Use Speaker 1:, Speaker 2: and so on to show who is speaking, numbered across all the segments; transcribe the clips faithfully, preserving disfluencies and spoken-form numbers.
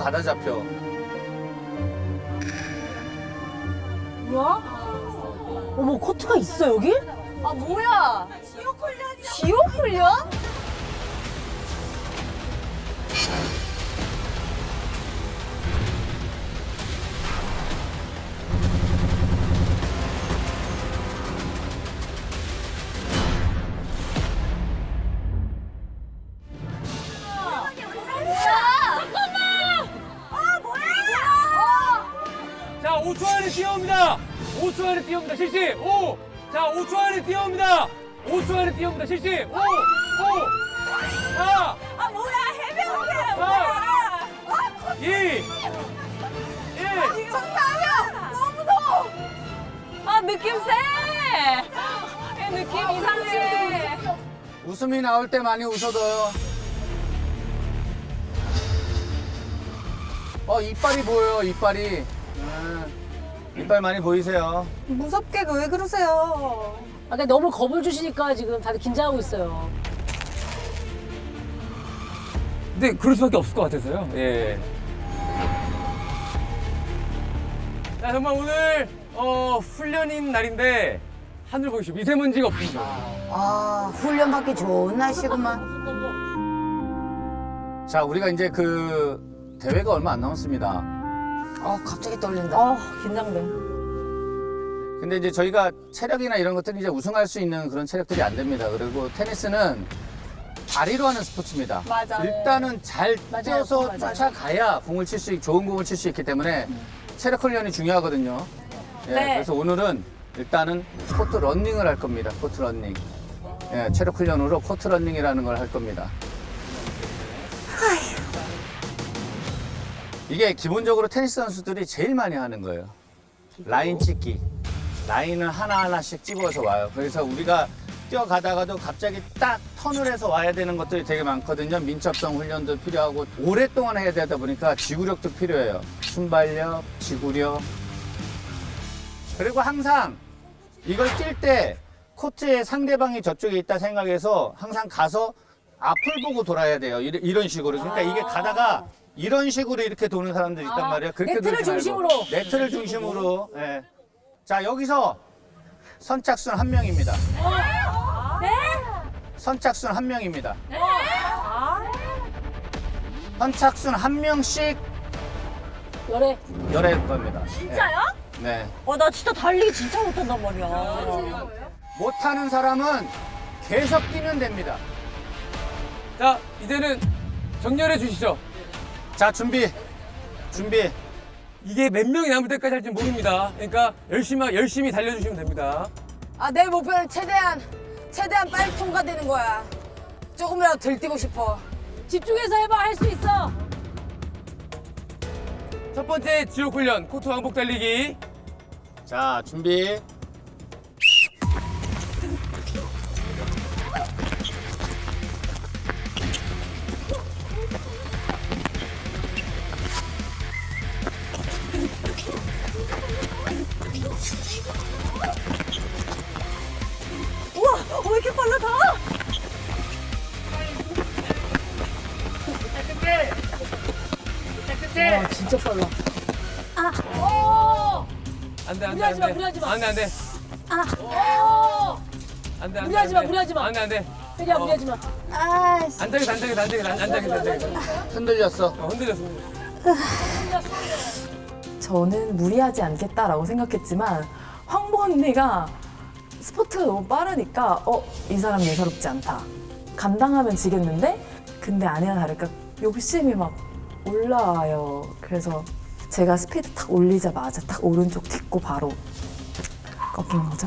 Speaker 1: 가다 잡혀.
Speaker 2: 뭐야? 어머, 코트가 있어, 여기?
Speaker 3: 아 뭐야? 지옥 훈련이야. 지옥 훈련?
Speaker 4: 자, 오 초 안에 뛰어옵니다. 오 초 안에 뛰어옵니다. 실시. 오. 자, 오 초 안에 뛰어옵니다. 오 초 안에 뛰어옵니다. 실시. 오. 오. 사.
Speaker 3: 아 뭐야 해병대
Speaker 4: 뭐야?
Speaker 3: 아,
Speaker 4: 이. 일.
Speaker 3: 정답이야. 너무 무서워. 아 느낌 세. 이 느낌 이상해.
Speaker 1: 웃음이 나올 때 많이 웃어둬요. 어, 이빨이 보여요, 이빨이. 음, 이빨 많이 보이세요.
Speaker 3: 무섭게 왜 그러세요?
Speaker 2: 아, 근데 너무 겁을 주시니까 지금 다들 긴장하고 있어요.
Speaker 4: 근데 그럴 수밖에 없을 것 같아서요. 예. 자, 정말 오늘 어, 훈련인 날인데 하늘 보십시오. 미세먼지가 없습니다.
Speaker 5: 아, 훈련 받기 좋은 날씨구만.
Speaker 1: 자, 우리가 이제 그 대회가 얼마 안 남았습니다.
Speaker 5: 어, 갑자기 떨린다.
Speaker 2: 어, 긴장돼.
Speaker 1: 근데 이제 저희가 체력이나 이런 것들이 이제 우승할 수 있는 그런 체력들이 안 됩니다. 그리고 테니스는 다리로 하는 스포츠입니다.
Speaker 3: 맞아요.
Speaker 1: 일단은 잘
Speaker 2: 맞아요.
Speaker 1: 뛰어서
Speaker 2: 맞아요.
Speaker 1: 쫓아가야 공을 칠 수, 있- 좋은 공을 칠 수 있기 때문에 체력 훈련이 중요하거든요. 예,
Speaker 3: 네.
Speaker 1: 그래서 오늘은 일단은 코트 런닝을 할 겁니다. 코트 런닝. 예, 체력 훈련으로 코트 런닝이라는 걸 할 겁니다. 이게 기본적으로 테니스 선수들이 제일 많이 하는 거예요. 라인 찍기. 라인을 하나하나씩 찍어서 와요. 그래서 우리가 뛰어가다가도 갑자기 딱 턴을 해서 와야 되는 것들이 되게 많거든요. 민첩성 훈련도 필요하고 오랫동안 해야 되다 보니까 지구력도 필요해요. 순발력, 지구력. 그리고 항상 이걸 뛸 때 코트에 상대방이 저쪽에 있다 생각해서 항상 가서 앞을 보고 돌아야 돼요. 이런- 이런 식으로. 그러니까 이게 가다가 이런 식으로 이렇게 도는 사람들이 있단 말이에요. 그렇게
Speaker 2: 네트를
Speaker 1: 돌지 말고.
Speaker 2: 중심으로.
Speaker 1: 네트를 중심으로. 예. 자, 여기서 선착순 한 명입니다.
Speaker 3: 네?
Speaker 1: 선착순 한 명입니다. 선착순 한 명씩
Speaker 2: 열애.
Speaker 1: 열할 겁니다.
Speaker 3: 진짜요?
Speaker 1: 예. 네.
Speaker 3: 어 나 진짜 달리기 진짜 못한단 말이야.
Speaker 1: 못하는 사람은 계속 뛰면 됩니다.
Speaker 4: 자, 이제는 정렬해 주시죠.
Speaker 1: 자, 준비. 준비.
Speaker 4: 이게 몇 명이 남을 때까지 할지 모릅니다. 그러니까 열심히 열심히 달려주시면 됩니다.
Speaker 5: 아, 내 목표는 최대한, 최대한 빨리 통과되는 거야. 조금이라도 덜 뛰고 싶어.
Speaker 2: 집중해서 해봐, 할 수 있어.
Speaker 4: 첫 번째 지옥 훈련 코트 왕복 달리기.
Speaker 1: 자, 준비.
Speaker 3: 우와 왜 이렇게 빨라 다?
Speaker 2: 와, 진짜 빨라. 아, 오!
Speaker 4: 안돼 안돼
Speaker 2: 무리하지 마,
Speaker 4: 안돼
Speaker 2: 무리하지 마.
Speaker 4: 안돼 안돼
Speaker 2: 아, 오!
Speaker 4: 안돼 안돼
Speaker 2: 무리하지 마, 무리하지 마.
Speaker 4: 안돼 안돼
Speaker 2: 세리야, 무리하지 마. 아, 씨.
Speaker 4: 안장이 안장이 안장이 안장이 안장이
Speaker 1: 흔들렸어.
Speaker 4: 어, 흔들렸어.
Speaker 6: 저는 무리하지 않겠다라고 생각했지만 황보 언니가 스포트가 너무 빠르니까 어, 이 사람 예사롭지 않다. 감당하면 지겠는데? 근데 아니나 다를까 욕심이 막 올라와요. 그래서 제가 스피드 탁 올리자마자 탁 오른쪽 딛고 바로 꺾인 거죠.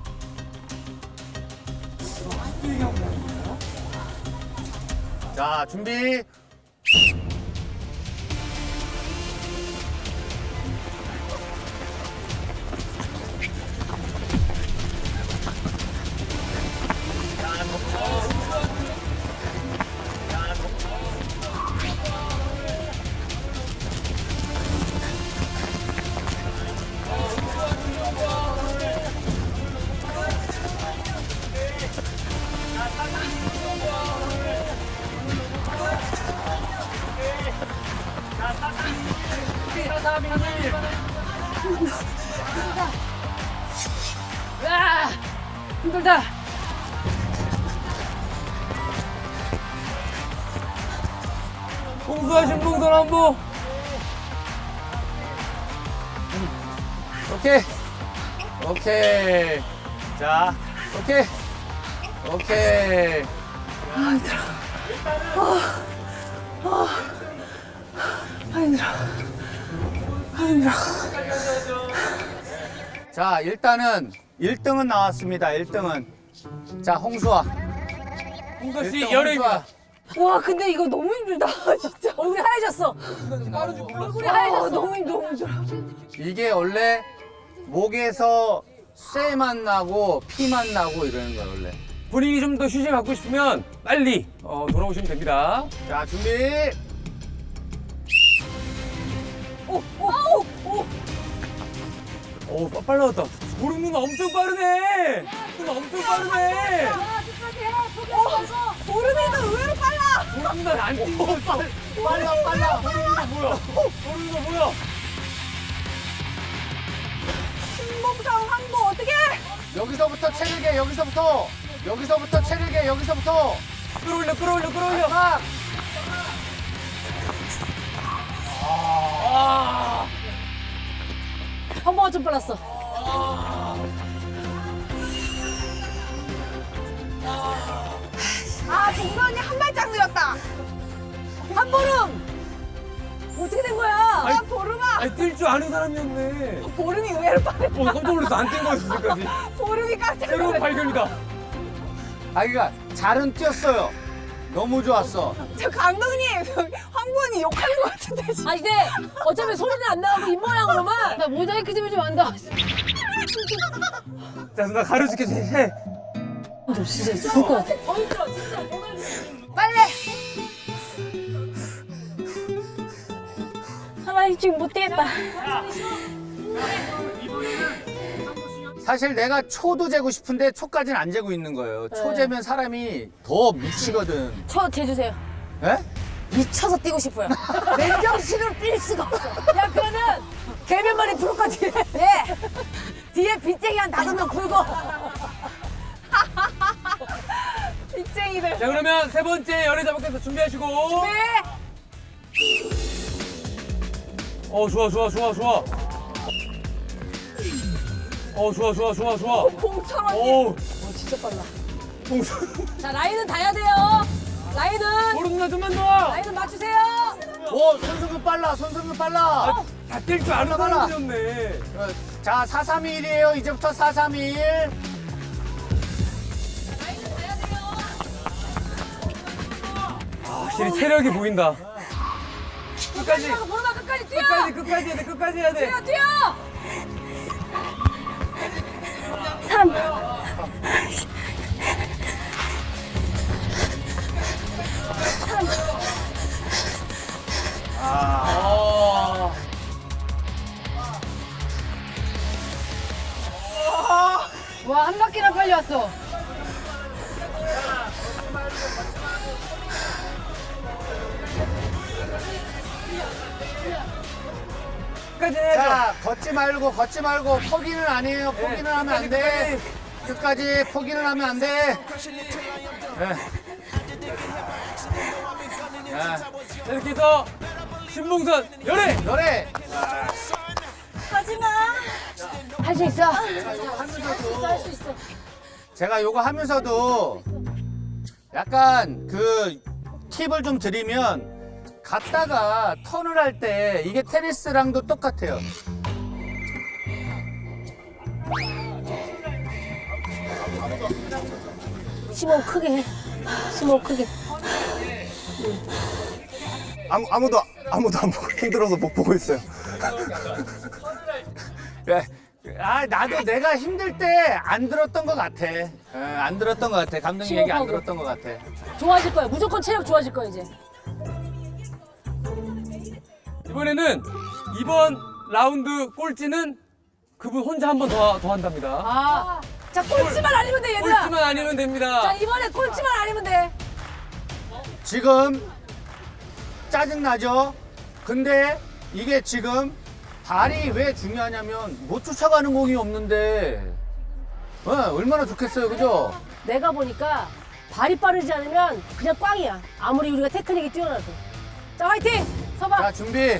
Speaker 1: 자, 준비.
Speaker 2: 아, 힘들다.
Speaker 4: 공수하신 봉선 한보.
Speaker 1: 오케이. 오케이. 자, 오케이. 오케이. 자, 일단은 일 등은 나왔습니다. 일 등은. 자, 홍수아.
Speaker 4: 봉선 씨
Speaker 1: 일등
Speaker 4: 열애입니다.
Speaker 3: 와 근데 이거 너무 힘들다 진짜. 얼굴이 하얘졌어. 얼굴이 하얘졌어. 너무 힘들어. 너무 힘들어.
Speaker 1: 이게 원래 목에서 쇠만 나고 피만 나고 이러는 거야, 원래.
Speaker 4: 본인이 좀 더 휴식 갖고 싶으면 빨리 어, 돌아오시면 됩니다.
Speaker 1: 자, 준비.
Speaker 4: 오, 빠- 빨라졌다. 보름 누나 엄청 빠르네. 누나 엄청 빠르네.
Speaker 3: 보름이도 의외로 빨라.
Speaker 4: 보름 누나 안 뛰는 거 있어.
Speaker 1: 빨라, 빨라.
Speaker 4: 보름 누나 뭐야? 보름 누나 뭐야?
Speaker 3: 신봉상 황보 어떻게?
Speaker 1: 여기서부터 체력에, 여기서부터. 여기서부터 체력에, 여기서부터.
Speaker 4: 끌어올려, 끌어올려, 끌어올려.
Speaker 1: 막.
Speaker 4: 아,
Speaker 2: 황보가 좀 빨랐어.
Speaker 3: 아 동선이 한 발짝 늘었다.
Speaker 2: 한 보름. 어떻게 된 거야?
Speaker 3: 야 보름아.
Speaker 4: 아니 뛸 줄 아는 사람이었네.
Speaker 3: 보름이 의외로 빨라.
Speaker 4: 어, 깜짝 놀랐어. 안 뛴 거였어, 지금까지.
Speaker 3: 보름이 깜짝
Speaker 4: 새로운
Speaker 3: 놀랐어.
Speaker 4: 발견이다.
Speaker 1: 아, 그러니까 잘은 뛰었어요. 너무 좋았어.
Speaker 3: 저 감독님 황보원이 욕하는 것 같은데.
Speaker 2: 아니 근데 어차피 소리는 안 나오고 입 모양으로만 나 모자이크 좀 좀 한다.
Speaker 4: 자, 누나 가려줄게. 해.
Speaker 2: 좀 진짜 죽을 것 같아.
Speaker 3: 빨리.
Speaker 2: 하나 지금 못 뛰겠다.
Speaker 1: 사실 내가 초도 재고 싶은데 초까지는 안 재고 있는 거예요. 초
Speaker 2: 네.
Speaker 1: 재면 사람이 더 미치거든.
Speaker 2: 저 재주세요.
Speaker 1: 예?
Speaker 3: 미쳐서 뛰고 싶어요. 맨정신으로 뛸 수가 없어.
Speaker 2: 야 그러면 개면만이 프로까 뒤에.
Speaker 3: 예. 뒤에 빚쟁이 한 다섯 명 풀고. 빚쟁이들.
Speaker 4: 자, 그러면 세 번째 연애 자박에서 준비하시고.
Speaker 3: 네.
Speaker 4: 어, 좋아, 좋아, 좋아, 좋아. 어, 좋아, 좋아, 좋아, 좋아.
Speaker 3: 봉천 언니.
Speaker 4: 오,
Speaker 2: 진짜 빨라.
Speaker 4: 봉선.
Speaker 2: 자 라인은 닿아야 돼요. 라인은
Speaker 4: 보름 누나 좀만 더.
Speaker 2: 라인은 맞추세요.
Speaker 1: 오, 손승근 빨라, 손승근 빨라.
Speaker 4: 아, 다 뛸 줄 아는
Speaker 1: 빨라, 빨라.
Speaker 4: 사람들이었네.
Speaker 1: 어, 자, 사 삼 일이에요. 이제부터 사 삼 일.
Speaker 4: 확실히 체력이 보인다. 끝까지,
Speaker 2: 보름아 끝까지 뛰어.
Speaker 4: 끝까지, 끝까지 해야 돼, 끝까지 해야 돼.
Speaker 2: 뛰어 뛰어.
Speaker 4: 아.
Speaker 2: 와 한 바퀴나 빨리 왔어.
Speaker 4: 끝까지 해야죠.
Speaker 1: 자, 걷지 말고, 걷지 말고. 포기는 아니에요. 포기는 하면 안 돼. 끝까지 포기는 하면 안 돼. 예. 자,
Speaker 4: 자, 이렇게 해서 신봉선 열애.
Speaker 1: 노래.
Speaker 2: 할 수 있어.
Speaker 1: 제가 요거 하면서도 약간 그 팁을 좀 드리면 갔다가 턴을 할 때 이게 테니스랑도 똑같아요.
Speaker 2: 심호흡 크게 해. 심호흡 크게.
Speaker 7: 아무, 아무도 아무도 안 보고 힘들어서 못 보고 있어요.
Speaker 1: 예. 아, 나도 내가 힘들 때 안 들었던 것 같아. 예, 안 들었던 것 같아. 감독님 얘기 안
Speaker 2: 심호흡하고.
Speaker 1: 들었던 것 같아.
Speaker 2: 좋아질 거야. 무조건 체력 좋아질 거야 이제.
Speaker 4: 이번에는 이번 라운드 꼴찌는 그분 혼자 한 번 더 더 한답니다.
Speaker 2: 아. 자 꼴찌만 아니면 돼 얘들아.
Speaker 4: 꼴찌만 아니면 됩니다.
Speaker 2: 자 이번에 꼴찌만 아니면 돼.
Speaker 1: 지금 짜증나죠? 근데 이게 지금 발이 왜 중요하냐면 못 쫓아가는 공이 없는데 어, 얼마나 좋겠어요, 그죠?
Speaker 2: 내가 보니까 발이 빠르지 않으면 그냥 꽝이야. 아무리 우리가 테크닉이 뛰어나도. 자, 화이팅! 서봐.
Speaker 1: 자, 준비.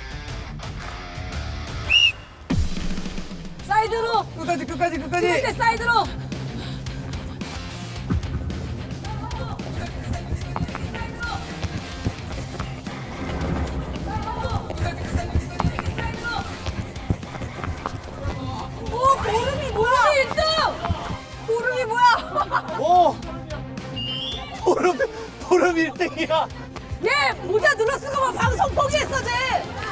Speaker 2: 사이드로.
Speaker 4: 끝까지 끝까지
Speaker 2: 찍을
Speaker 4: 끝까지.
Speaker 2: 때 사이드로. 오, 보름이 뭐야? 일 등!
Speaker 5: 보름이 뭐야?
Speaker 1: 오! 보름, 보름 일 등이야.
Speaker 2: 얘 모자 눌러 쓰고 막 방송 포기했어, 쟤.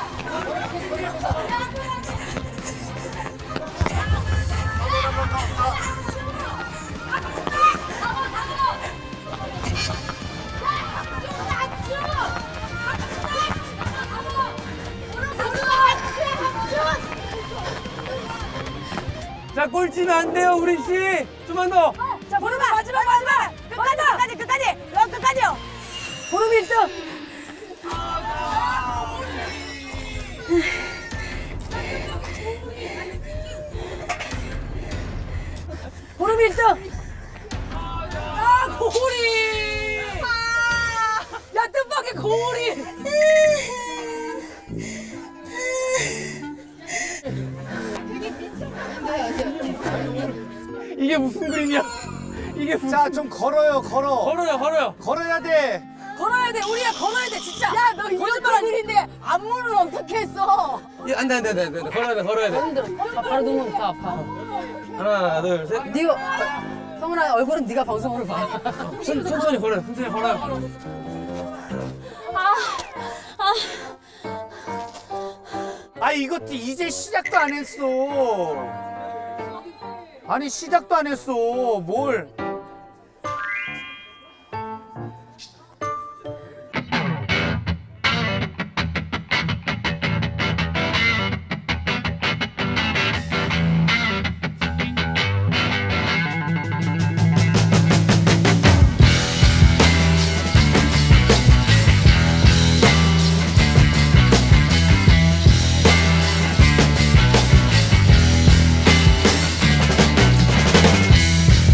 Speaker 4: 자 꼴찌면 안 돼요 우리 씨. 좀만 더.
Speaker 2: 자, 보름아 마지막 마지막.
Speaker 5: 끝까지, 끝까지, 끝까지. 여 끝까지요.
Speaker 2: 보름 일 등. 보름 일 등. 아, 고리. 야, 뜻밖의 고리.
Speaker 4: 이게 무슨 그림이야? 이게 무슨?
Speaker 1: 자, 좀 걸어요, 걸어.
Speaker 4: 걸어요 걸어요.
Speaker 1: 걸어야 돼.
Speaker 2: 걸어야 돼. 우리야 걸어야 돼, 진짜.
Speaker 5: 야, 너 이런 얼굴인데 안무를 어떻게 했어?
Speaker 4: 예, 안돼 안돼 안돼 안돼. 걸어야 돼 걸어야 돼.
Speaker 2: 힘들어. 아, 바로 누우면 더 아파.
Speaker 4: 하나 둘 셋.
Speaker 2: 네가 성훈아 얼굴은 네가 방송으로 봐.
Speaker 4: 천, 천천히 걸어요 천천히 걸어요.
Speaker 1: 아, 이것도 이제 시작도 안 했어. 아니, 시작도 안 했어. 뭘.